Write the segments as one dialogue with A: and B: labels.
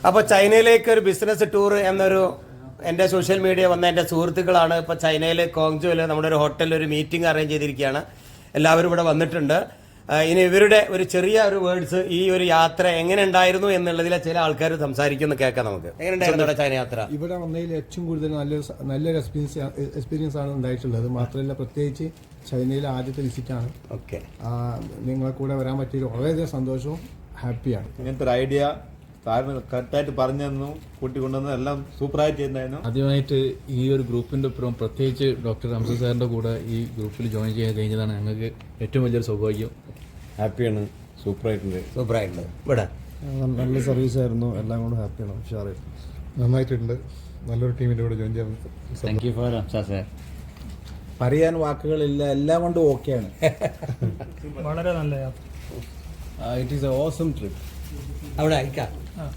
A: അപ്പോൾ ചൈനയിലേക്ക് ഒരു business tour എന്നൊരു എൻ്റെ സോഷ്യൽ മീഡിയ വന്ന എൻ്റെ സുഹൃത്തുക്കളാണ് ഇപ്പോൾ ചൈനയിൽ കോങ്ജോയിൽ നമ്മുടെ ഒരു ഹോട്ടലിൽ ഒരു മീറ്റിംഗ് അറേഞ്ച് ചെയ്തിരിക്കുകയാണ്. എല്ലാവരും ഇവിടെ വന്നിട്ടുണ്ട്. ഇനി ഇവരുടെ ഒരു ചെറിയ ഒരു വേർഡ്സ് ഈ ഒരു യാത്ര എങ്ങനെ ഉണ്ടായിരുന്നു എന്നുള്ളതിലെ ചില ആൾക്കാർ സംസാരിക്കുന്നു, കേൾക്കാം നമുക്ക്. എങ്ങനെ ഉണ്ടായിരുന്നു ചൈന യാത്ര?
B: ഇവിടെ വന്നതിൽ ഏറ്റവും കൂടുതൽ നല്ലൊരു എക്സ്പീരിയൻസ് ആണ് ഉണ്ടായിട്ടുള്ളത്. മാത്രമല്ല പ്രത്യേകിച്ച് ചൈനയിലെ ആദ്യത്തെ വിസിറ്റാണ്.
A: ഓക്കെ,
B: നിങ്ങളെ കൂടെ വരാൻ പറ്റിയ വളരെയധികം സന്തോഷവും ഹാപ്പിയാണ്.
C: ഇങ്ങനത്തെ ഒരു ഐഡിയ കറക്റ്റായിട്ട് പറഞ്ഞു തന്നു, കൂട്ടിക്കൊണ്ടുവന്നു, എല്ലാം സൂപ്പറായിട്ട് ചെയ്യുന്നതായിരുന്നു.
D: ആദ്യമായിട്ട് ഈ ഒരു ഗ്രൂപ്പിൻ്റെ ഒപ്പം പ്രത്യേകിച്ച് ഡോക്ടർ ഹംസ സാറിൻ്റെ കൂടെ ഈ ഗ്രൂപ്പിൽ ജോയിൻ ചെയ്യാൻ കഴിഞ്ഞതാണ് ഞങ്ങൾക്ക് ഏറ്റവും വലിയൊരു സൗഭാഗ്യം.
C: ഹാപ്പിയാണ്, സൂപ്പറായിട്ടുണ്ട്.
A: ഇവിടെ
B: നല്ല സർവീസ് ആയിരുന്നു, എല്ലാം കൊണ്ട് ഹാപ്പിയാണ്. ഉഷാറായിരുന്നു,
E: നന്നായിട്ടുണ്ട്. നല്ലൊരു ടീമിൻ്റെ കൂടെ ജോയിൻ ചെയ്യാൻ.
D: Thank you for Hamsa sir.
C: പറയാൻ വാക്കുകളില്ല, എല്ലാം കൊണ്ടും ഓക്കെയാണ്.
F: വളരെ നല്ല യാത്ര.
B: It is a awesome trip.
A: അവിടെ അയക്കാം.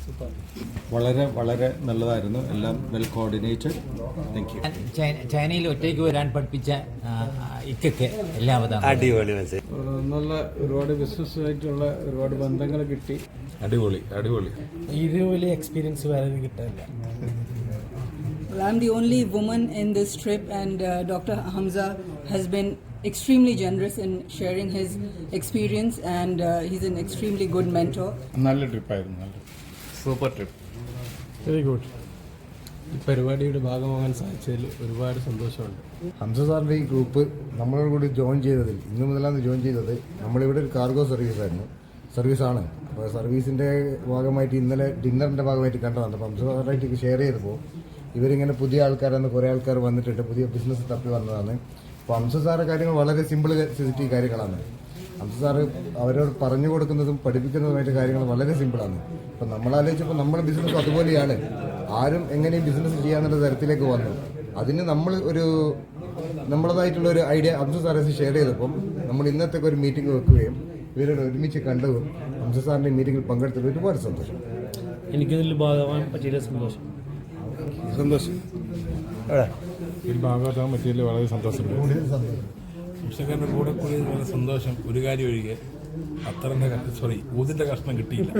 C: വളരെ വളരെ നല്ലതായിരുന്നു, എല്ലാം വെൽ കോർഡിനേറ്റഡ്. Thank you.
G: ചൈനയിൽ ഒറ്റയ്ക്ക് വരാൻ പഠിപ്പിച്ച ഇക്കൊക്കെ എല്ലാവരും
A: അടിപൊളി മെസ്സേജ്.
B: നല്ല ഒരുപാട് ബിസിനസ്സായിട്ടുള്ള ഒരുപാട് ബന്ധങ്ങൾ കിട്ടി.
E: അടിപൊളി അടിപൊളി.
F: ഇത് വലിയ എക്സ്പീരിയൻസ് വേറെ കിട്ടാനില്ല.
H: Well, I'm the only woman in this trip, and Dr. Hamza has been extremely generous in sharing his experience, and he's an extremely good mentor.
E: നല്ല ട്രിപ്പായിരുന്നു,
D: സൂപ്പർ ട്രിപ്പ്.
B: Very good. ഈ പരിപാടിയുടെ ഭാഗമാകാൻ സാധിച്ചതിൽ ഒരുപാട് സന്തോഷമുണ്ട്.
I: ഹംസ സാറിൻ്റെ ഈ ഗ്രൂപ്പ് നമ്മളോട് കൂടി ജോയിൻ ചെയ്തതിൽ, ഇന്ന് മുതലാണ് ജോയിൻ ചെയ്തത്. നമ്മളിവിടെ ഒരു കാർഗോ സർവീസാണ്. അപ്പോൾ സർവീസിൻ്റെ ഭാഗമായിട്ട് ഇന്നലെ ഡിന്നറിൻ്റെ ഭാഗമായിട്ട് കണ്ടതാണ്. അപ്പോൾ ഹംസ സാറായിട്ട് ഷെയർ ചെയ്തപ്പോൾ ഇവരിങ്ങനെ പുതിയ ആൾക്കാരാണ്, കുറേ ആൾക്കാർ വന്നിട്ടുണ്ട്, പുതിയ ബിസിനസ് തപ്പി വന്നതാണ്. അപ്പോൾ ഹംസ സാറ് കാര്യങ്ങൾ വളരെ സിമ്പിൾ സെൻസിറ്റീവ് കാര്യങ്ങളാണ്. ഹംസ സാറ് അവരോട് പറഞ്ഞു കൊടുക്കുന്നതും പഠിപ്പിക്കുന്നതുമായിട്ട് കാര്യങ്ങൾ വളരെ സിമ്പിളാണ്. അപ്പം നമ്മളാലോചിച്ചപ്പോൾ നമ്മുടെ ബിസിനസ് അതുപോലെയാണ്. ആരും എങ്ങനെയും ബിസിനസ് ചെയ്യാന്നുള്ള തരത്തിലേക്ക് വന്നു. അതിന് നമ്മൾ നമ്മളതായിട്ടുള്ള ഒരു ഐഡിയ ഹംസ സാറെ ഷെയർ ചെയ്തപ്പം നമ്മൾ ഇന്നത്തേക്ക് ഒരു മീറ്റിംഗ് വെക്കുകയും ഇവരോട് ഒരുമിച്ച് കണ്ടതും ഹംസ സാറിൻ്റെ മീറ്റിംഗിൽ പങ്കെടുത്തതിൽ ഒരുപാട് സന്തോഷം.
F: എനിക്കിതിൽ ഭാഗമാകാൻ പറ്റിയ സന്തോഷം.
E: ഇതിൽ ഭാഗമാക്കാൻ പറ്റിയതിൽ വളരെ സന്തോഷമുണ്ട്.
J: കർഷകരുടെ കൂടെ കൂടിയത് വളരെ സന്തോഷം. ഒരു കാര്യം ഒഴികെ ഊതിന്റെ കഷ്ണം കിട്ടിയില്ല.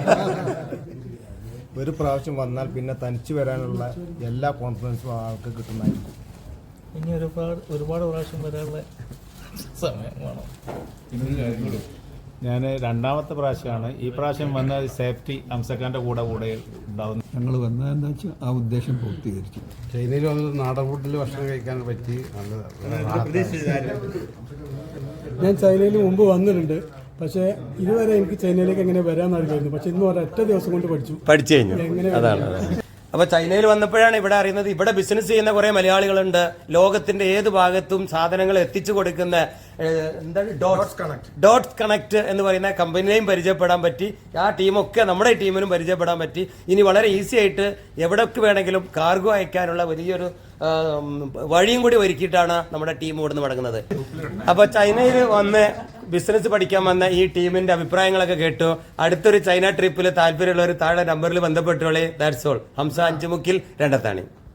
B: ഒരു പ്രാവശ്യം വന്നാൽ പിന്നെ തനിച്ച് വരാനുള്ള എല്ലാ കോൺഫിഡൻസും ആൾക്ക് കിട്ടുന്നതായിരിക്കും.
F: ഇനി ഒരുപാട് പ്രാവശ്യം വരാനുള്ള സമയം വേണം.
C: ഞാൻ രണ്ടാമത്തെ പ്രാവശ്യമാണ്. ഈ പ്രാവശ്യം വന്ന സേഫ്റ്റി ഹംസക്കാരൻ്റെ കൂടെ ഉണ്ടാവുന്നു.
B: ഞങ്ങൾ വന്നതെന്താ വെച്ചാൽ ആ ഉദ്ദേശം പൂർത്തീകരിച്ചു.
I: ചൈനയിൽ വന്നത് നാടൻ ഫുഡിൽ ഭക്ഷണം കഴിക്കാൻ പറ്റി.
F: ഞാൻ ചൈനയിൽ മുമ്പ് വന്നിട്ടുണ്ട്, പക്ഷേ ഇതുവരെ എനിക്ക് ചൈനയിലേക്ക് എങ്ങനെ വരാമെന്നറിയായിരുന്നു. പക്ഷെ ഇന്ന് ഒരൊറ്റ ദിവസം കൊണ്ട് പഠിച്ചു
A: കഴിഞ്ഞു. അതാണ്. അപ്പോൾ ചൈനയിൽ വന്നപ്പോഴാണ് ഇവിടെ അറിയുന്നത് ഇവിടെ ബിസിനസ് ചെയ്യുന്ന കുറേ മലയാളികളുണ്ട്. ലോകത്തിന്റെ ഏത് ഭാഗത്തും സാധനങ്ങൾ എത്തിച്ചു കൊടുക്കുന്ന എന്താണ് ഡോട്ട്സ് കണക്ട് എന്ന് പറയുന്ന കമ്പനിയെയും പരിചയപ്പെടാൻ പറ്റി. ആ ടീമൊക്കെ നമ്മുടെ ടീമിനും പരിചയപ്പെടാൻ പറ്റി. ഇനി വളരെ ഈസി ആയിട്ട് എവിടേക്ക് വേണമെങ്കിലും കാർഗോ അയക്കാനുള്ള വലിയൊരു വഴിയും കൂടി ഒരുക്കിയിട്ടാണ് നമ്മുടെ ടീം ഇവിടുന്ന് മടങ്ങുന്നത്. അപ്പോൾ ചൈനയിൽ വന്ന് ബിസിനസ് പഠിക്കാൻ വന്ന ഈ ടീമിന്റെ അഭിപ്രായങ്ങളൊക്കെ കേട്ടു. അടുത്തൊരു ചൈന ട്രിപ്പിൽ താല്പര്യമുള്ളവർ താഴെ നമ്പറിൽ ബന്ധപ്പെട്ടോളെ. That's all. ഹംസ അഞ്ചുമുക്കിൽ രണ്ടത്താണി.